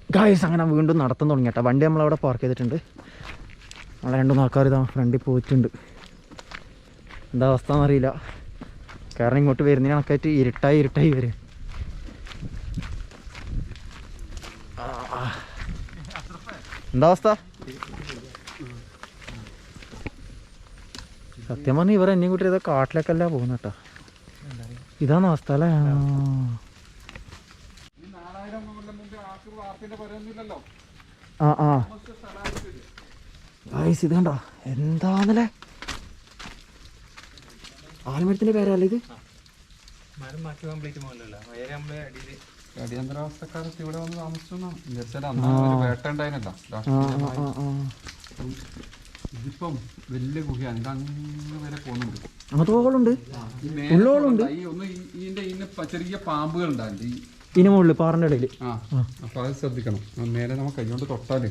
Guys അങ്ങനെ വീണ്ടും നടത്താൻ തുടങ്ങി കേട്ടോ. വണ്ടി നമ്മളവിടെ പാർക്ക് ചെയ്തിട്ടുണ്ട്. നമ്മളെ 2-3 ആൾക്കാർ ഇതാ ഫ്രണ്ടിൽ പോയിട്ടുണ്ട്. എന്താ അവസ്ഥ എന്നറിയില്ല. കാരണം ഇങ്ങോട്ട് വരുന്നതിന് കണക്കായിട്ട് ഇരുട്ടായി വരും. എന്താ അവസ്ഥ? സത്യം പറഞ്ഞാൽ ഇവർ എന്നെയും കൂട്ടി ഇതാ കാട്ടിലേക്കല്ല പോകുന്ന കേട്ടോ. ഇതാണ് അവസ്ഥ അല്ലേ? ഇത് കണ്ടോ എന്താന്നല്ലേ ആൽമരത്തിന്റെ പേരല്ലേ ഇത്? അടിയന്തരാവസ്ഥക്കാലത്ത് ഇവിടെ വന്ന് താമസിച്ചു. വേട്ട ഉണ്ടായിരുന്നല്ലോ. ഇതിപ്പം വലിയ ഗുഹയാണ്. ഇത് അങ്ങ് വരെ പോകുന്നുണ്ട്. അങ്ങോട്ടോളുണ്ട് ഇതിന്റെ ചെറിയ പാമ്പുകൾ ഉണ്ടാവില്ല ഇതിന് മുകളിൽ പാറിന്റെ ഇടയിൽ. അപ്പൊ അത് ശ്രദ്ധിക്കണം. നേരെ നമുക്ക് കൈകൊണ്ട് തൊട്ടാല്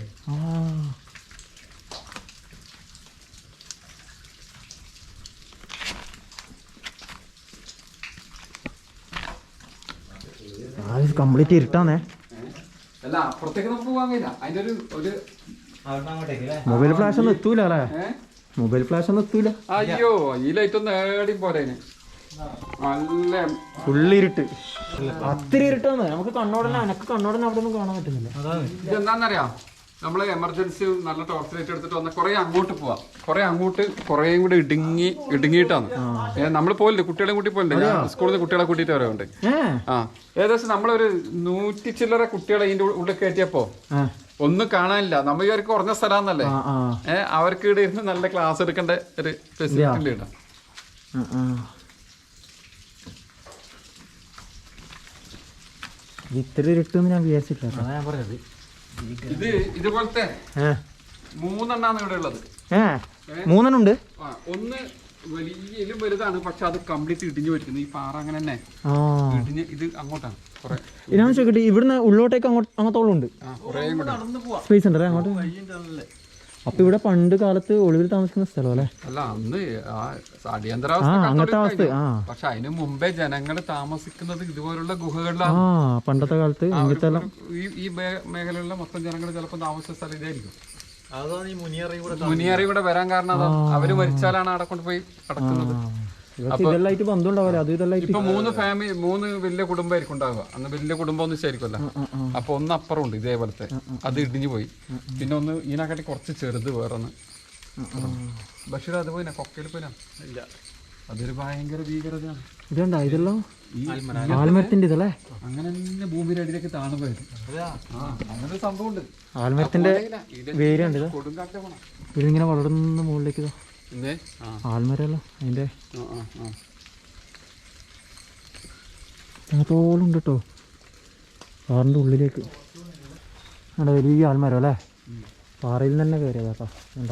കംപ്ലീറ്റ് ഇരുട്ടാന്നേ. അല്ല അപ്പുറത്തേക്ക് നമുക്ക് പോകാൻ കഴിയില്ല. അതിന്റെ ഒരു മൊബൈൽ ഫ്ലാഷ് ഒന്നും എത്തൂല അല്ലേ? മൊബൈൽ ഫ്ലാഷ് ഒന്നും എത്തൂല. അയ്യോ ഈ ലൈറ്റ് ഒന്ന് ഏടി പോലെ നല്ല ഫുള്ളിരുട്ട്. അത്തിരി ഇരുട്ടാന്ന്. നമുക്ക് കണ്ണോടനെ അവിടെ ഒന്നും കാണാൻ പറ്റുന്നില്ല. ഇതെന്താന്നറിയാം, നമ്മള് എമർജൻസി നല്ല ടോർച്ച് ലൈറ്റ് എടുത്തിട്ട് വന്ന കുറെ അങ്ങോട്ട് പോവാം. കുറേയും കൂടെ ഇടുങ്ങിയിട്ടാണ് നമ്മൾ പോലില്ലേ. കുട്ടികളെ കൂട്ടി പോലില്ലേ, സ്കൂളിൽ നിന്ന് കുട്ടികളെ കൂട്ടിയിട്ട് വരവുണ്ട്. ഏകദേശം നമ്മളൊരു 100 ചില്ലറ കുട്ടികളെ ഇതിന്റെ ഉള്ളിൽ കയറ്റിയപ്പോ ഒന്നും കാണാനില്ല. നമ്മൾ ഇവർക്ക് കുറഞ്ഞ സ്ഥലമാണെന്നല്ലേ. അവർക്ക് ഇവിടെ ഇരുന്ന് നല്ല ക്ലാസ് എടുക്കേണ്ട ഒരു ഫെസിലിറ്റി ഉണ്ട്. ഇത്ര ഇരുട്ടെന്ന് ഞാൻ വിചാരിച്ചിട്ടില്ല. ഞാൻ പറഞ്ഞത് ഇതുപോലത്തെ 3 എണ്ണാണ് ഇവിടെ ഉള്ളത്. 3 ഉണ്ട്. ഒന്ന് വലിയലും വലുതാണ്, പക്ഷെ അത് കംപ്ലീറ്റ് ഇടിഞ്ഞു പോയിരിക്കുന്നു. ഈ പാറ അങ്ങനെ തന്നെ ഇടിഞ്ഞ് ഇത് അങ്ങോട്ടാണ്. ഞാൻ ചോദിക്കട്ടെ, ഇവിടുന്ന് ഉള്ളോട്ടേക്ക് അങ്ങോട്ടോളം ഉണ്ട് സ്പേസ് ഉണ്ടല്ലേ അങ്ങോട്ട്? അപ്പൊ ഇവിടെ പണ്ട് കാലത്ത് ഒളിവിൽ താമസിക്കുന്ന സ്ഥലം അല്ലേ? അല്ല അന്ന് അടിയന്തരാവസ്ഥ. പക്ഷെ അതിന് മുമ്പേ ജനങ്ങൾ താമസിക്കുന്നത് ഇതുപോലുള്ള ഗുഹകളിലാണ്. പണ്ടത്തെ കാലത്ത് ഈ മേഖലയിലുള്ള മൊത്തം ജനങ്ങൾ ചിലപ്പോൾ താമസിച്ച സ്ഥലം ഇതായിരിക്കും. മുനിയറി കൂടെ വരാൻ കാരണം അതാ. അവര് മരിച്ചാലാണ് അവിടെ കൊണ്ടുപോയി അടക്കുന്നത്. ഇപ്പൊ 3 വലിയ കുടുംബമായിരിക്കും ഉണ്ടാവുക. അന്ന് വലിയ കുടുംബം ഒന്നും ശരിക്കുമല്ല. അപ്പൊ ഒന്ന് അപ്പുറം ഉണ്ട് ഇതേപോലത്തെ, അത് ഇടിഞ്ഞു പോയി. പിന്നെ ഒന്ന് ഇതിനെക്കാട്ടി കുറച്ച് ചെറുത് വേറൊന്ന്. ബഷീർ അത് പോയിനാ, കൊക്കയിൽ പോയിനാ? ഇല്ല, അതൊരു ഭയങ്കര ഭീകരതയാണ്. ഇതുണ്ടോ ഇതെല്ലാം ആൽമരത്തിന്റെ ഇതല്ലേ? അങ്ങനെ തന്നെ ഭൂമിയുടെ അടിയിലേക്ക് താണു പോയത്. അങ്ങനെ സംഭവം ഉണ്ട്. ആൽമരത്തിന്റെ വേരുണ്ട്. കൊടുങ്കാറ്റ് പോണം ഇതിങ്ങനെ വളർന്ന് മുകളിലേക്ക് ആൽമരല്ലോ. അതിന്റെ അങ്ങത്തോളം ഉണ്ട് കേട്ടോ. പാറിന്റെ ഉള്ളിലേക്ക് അവിടെ വലിയ ആൽമരം അല്ലേ? പാറയിൽ തന്നെ കയറിയതാട്ടോ. ഉണ്ടോ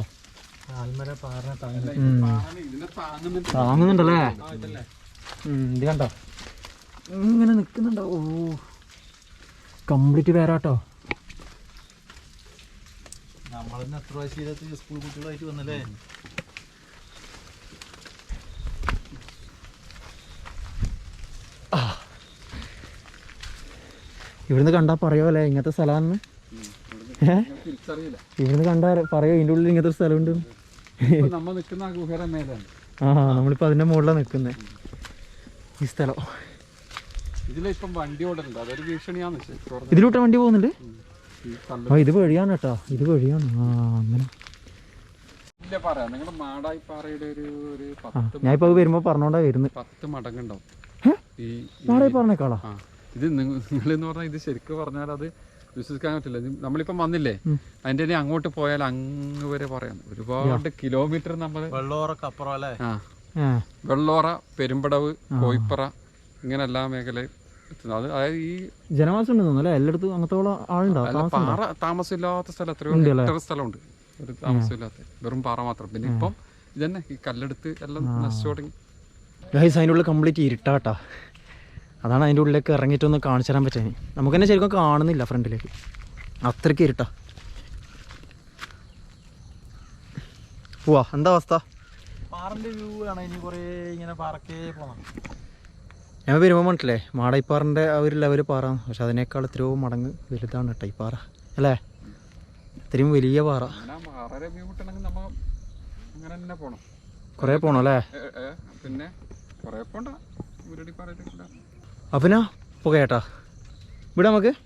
താങ്ങുന്നുണ്ടല്ലേ? ഇത് കണ്ടോ ഇങ്ങനെ നിക്കുന്നുണ്ടോ? ഓ കംപ്ലീറ്റ് പേരാട്ടോ. നമ്മളെന്നെ എത്ര പ്രാവശ്യം സ്കൂൾ കുട്ടികളായിട്ട് വന്നല്ലേ? ഇവിടുന്ന് കണ്ടാ പറയോല്ലേ ഇങ്ങനത്തെ സ്ഥലമാണെന്ന്? ഇവിടുന്ന് കണ്ടാ പറയോ ഇതിന്റെ ഉള്ളിൽ ഇങ്ങനത്തെ ഒരു സ്ഥലമുണ്ട്? നമ്മളിപ്പോ അതിന്റെ മുകളിലാണ് നിൽക്കുന്നത്. ഈ സ്ഥലം ഇതിലൂട്ട വണ്ടി പോകുന്നുണ്ട്. ഇത് വഴിയാണ് കേട്ടോ, ഇത് വഴിയാണ്. അങ്ങനെ ഞാനിപ്പോ വരുമ്പോ പറഞ്ഞോണ്ടാ വരുന്നത്. 10 മടങ്ങുണ്ടാവും മാടായി പറഞ്ഞേക്കാളാ. ഇത് നിങ്ങളെന്ന് പറഞ്ഞാൽ ഇത് ശരിക്കും പറഞ്ഞാൽ അത് വിശ്വസിക്കാൻ പറ്റില്ല. നമ്മളിപ്പം വന്നില്ലേ, അതിന്റെ അങ്ങോട്ട് പോയാൽ അങ്ങ് വരെ പറയാം. ഒരുപാട് കിലോമീറ്റർ നമ്മൾ വെള്ളോറ, പെരുമ്പടവ്, കോയിപ്പറ, ഇങ്ങനെ എല്ലാ മേഖലയും എത്തുന്നത്. അതായത് ഈ ജനവാസം ഉണ്ടെന്നല്ലേ എല്ലായിടത്തും? അങ്ങനത്തോളം ആളുണ്ടാവും. പാറ താമസമില്ലാത്ത സ്ഥലം എത്രയോ ഹെക്ടർ സ്ഥലമുണ്ട് ഒരു താമസമില്ലാത്ത, വെറും പാറ മാത്രം. പിന്നെ ഇപ്പം ഇതന്നെ ഈ കല്ലെടുത്ത് എല്ലാം നശിച്ചു തുടങ്ങി. അതിൻ്റെ ഉള്ളിൽ കംപ്ലീറ്റ് ഇരുട്ടാട്ടാ. അതാണ് അതിൻ്റെ ഉള്ളിലേക്ക് ഇറങ്ങിയിട്ടൊന്ന് കാണിച്ചു തരാൻ പറ്റാൻ. നമുക്ക് തന്നെ ശരിക്കും കാണുന്നില്ല ഫ്രണ്ടിലേക്ക്, അത്രയ്ക്ക് ഇരുട്ടാ. പോവാ, എന്താ അവസ്ഥ? പാറന്റെ വ്യൂ ആണ്. ഇനി കുറേ ഇങ്ങനെ പാറക്കേ പോണം. ഞാൻ വരുമ്പോൾ പറഞ്ഞിട്ടില്ലേ മാടൈപ്പാറിൻ്റെ ആ ഒരു ലെവൽ പാറ, പക്ഷെ അതിനേക്കാൾ എത്രയോ മടങ്ങ് വലുതാണ് കേട്ടോ ഈ പാറ അല്ലേ, ഇത്രയും വലിയ പാറ. കുറേ പോകണം അല്ലേ? പിന്നെ അപ്പം പോകേട്ടാ ഇവിടെ നമുക്ക്